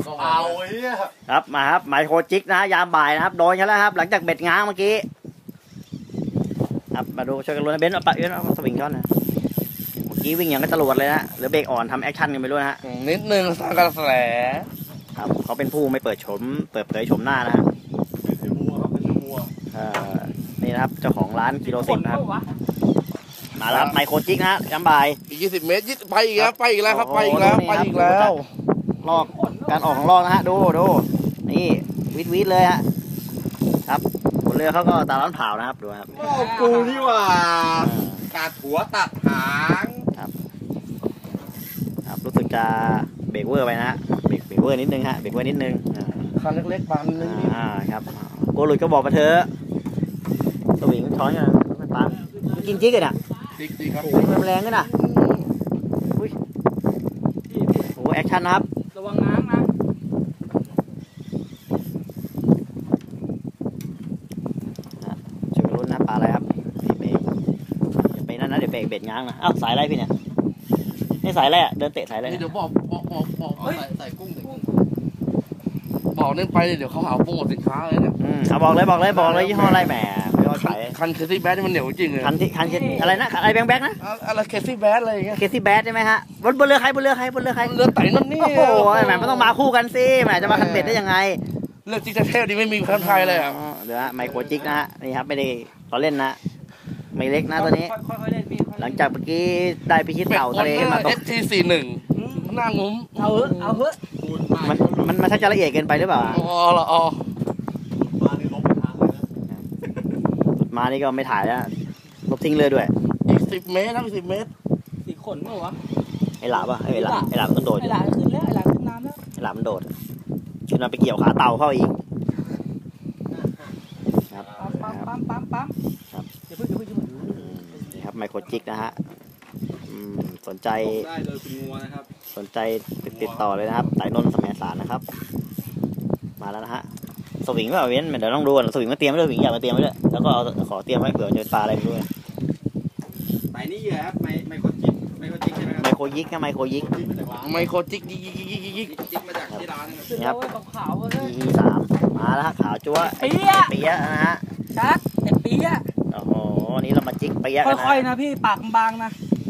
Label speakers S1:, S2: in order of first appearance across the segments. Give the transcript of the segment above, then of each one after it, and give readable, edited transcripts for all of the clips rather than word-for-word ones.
S1: เอาไอ้เนี่ย
S2: ครับมาครับไมโครจิกนะยามบ่ายนะครับโดนกันแล้วครับหลังจากเบ็ดง้างเมื่อกี้ครับมาดูช่วยกันลุ้นนะเบนซ์เอาปะเอ็นเอาสวิงช้อนนะเมื่อกี้วิ่งอย่างก็จรวดเลยนะหรือเบรกอ่อนทำแอคชั่นกันไม่รู้นะฮะ
S3: นิดนึงสร้างกระแส
S2: ครับเขาเป็นผู้ไม่เปิดเผยโฉมหน้านะฮะ
S1: เป็นบัวครับเป็นบัว
S2: นี่นะครับเจ้าของร้านกิโล10นะครับมาแล้วไมโครจิกนะยามบ่าย
S3: อีก20 เมตรไปอีกแล้วไปอีกแล้วครับไปอีกแล้วไปอีกแล้ว
S2: ลอกการออกของลอกนะฮะดูนี่วิดเลยฮะครับบนเรือเขาก็ตาล้านเผานะครับดูครับ
S1: กูนี่ว่าตัดหัวตัดหาง
S2: ครับรู้สึกจะเบรกเวอร์ไปนะฮะเบรกเวอร์นิดนึงฮะเบรกเวอร์นิดนึง
S3: คันเล็กๆปันนึง
S2: ครับโกหลุดก็บอกมาเถอะสวิงช้อนกันมันปังกินจิ๊กเลยน่ะ
S3: จิ๊กครับ
S2: มันแรงด้วยน่ะอุ้ยโอ้แอคชั่นนะครับ
S4: ระวังน้ำนะ
S2: ช่วยลุ้นนะปลาอะไรครับเบรกไปนั่นนะเดี๋ยวเบรกเบ็ดง้างนะอ้าวสายอะไรพี่เนี่ยนี่สายอะไรอ่ะเดินเตะสายอะไร
S3: เดี๋ยวบอกใส่กุ้งบอกเล่นไปเดี๋ยวเขาหาโปรโมทสินค้าเลยเนี่ย
S2: เอาบอกเลยยี่ห้ออะไรแหมไม่ว่าขาย
S3: คันเคซี่แบดมันเหนียวจริงเลย
S2: คันอะไรนะอะไรแบงค์นะ
S3: อะไรเคซี่แบดอะไรอย่างเงี้ย
S2: เคซี่แบดใช่ไหมฮะบนเรือใครเรือ
S3: ไต่นั่นนี่
S2: โอ้โหแหมมันต้องมาคู่กันสิแหมจะมาคันเบ็ดได้ยังไง
S3: เรื่องจิ๊กเท่ๆดีไม่มีคันไทยเลยอ่ะ
S2: เดี๋ยวไมโครจิกนะฮะนี่ครับไม่ได้เราเล่นนะไม่เล็กนะตัวนี้หลังจากเมื่อกี้ได้พิชิตเต่าทะเลมาตก
S3: ST41หน้างุ้ม
S4: เอาเฮ้ย
S2: มันชักจะละเอียดเกินไปหรือเปล่า
S1: มานี่ลบไปทางเลยนะ
S2: มานี่ก็ไม่ถ่ายแล้วลบทิ้งเลยด้วย
S3: อีก10 เมตรนะ10 เมตร
S4: สี่ขนเมื่อวะ
S2: ไอ้หลาบไอ้หลาบมันโดด
S4: ไอ้หลาขึ้นแล้วไอ้หลาขึ้นน้ำแล้ว
S2: ไอ้หลาบมันโดดขึ้นมาไปเกี่ยวขาเต่าเข้าอีกครับ
S4: ปั๊ม
S2: ครับ
S4: เดี๋ยวพึ่ง
S2: นี่ครับไมโครจิกนะฮะสนใจ
S1: ได้เลยคุณงัวนะครับ
S2: สนใจติดต่อเลยนะครับสายนนท์สมัยสารนะครับมาแล้วนะฮะสวิงว่าเว้นเดี๋ยวต้องดูก่อนสวิงมาเตรียมไว้ด้วยสวิงอยากมาเตรียมไว้ด้วยแล้วก็ขอเตรียมไว้เผื่อจะปลาอะไรด้วย
S1: สายนี้เหยื่อครับไมโครจิกใช่ไหมครับ
S2: ไมโครยิกนะไมโครยิก
S3: ไมโครจิก
S1: จิกมาจากที่ร้าน
S4: นะครับขาวเลย
S2: E3มาแล้วฮะขาวจั๊วเปี๊ยะนะฮะ
S4: ชัดเปี๊ยะ
S2: โอ้โหนี่เรามาจิกเปี๊ยะกันนะ
S4: ค่อยๆนะพี่ปากบางนะ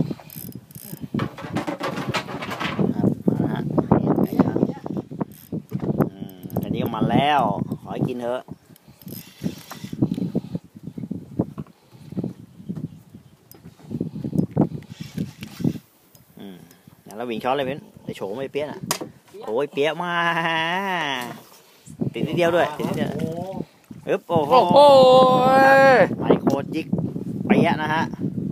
S2: อันนี้ก็มันแล้วขอให้กินเถอะแล้ววิ่งช้อนเลยเว้นไอโฉมไอเปี้ยน่ะโอ้ยเปี้ยมาติดนิดเดียวด้วยติดนิดเดียวโอ้โหไมโครจิกเปี้ยนะฮะ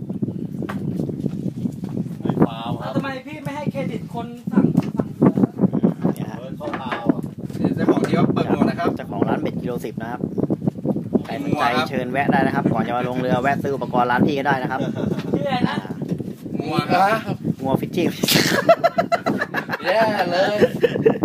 S4: ทำไมพี่ไม่ให้เครดิตคนสั่ง
S1: เนี่ยฮะเข้าเตาเจ้าของที่ว่าเปิดหมดนะครับ
S2: เจ้าของร้านเบ็ดกิโล10นะครับใครสนใจเชิญแวะได้นะครับก่อนจะมาลงเรือแวะซื้ออุปกรณ์ร้านพี่ก็ได้นะครับ
S4: ชื่ออะไรนะ
S1: งัวครับ
S2: งัวฟิชชิ่ง
S3: แย่เลย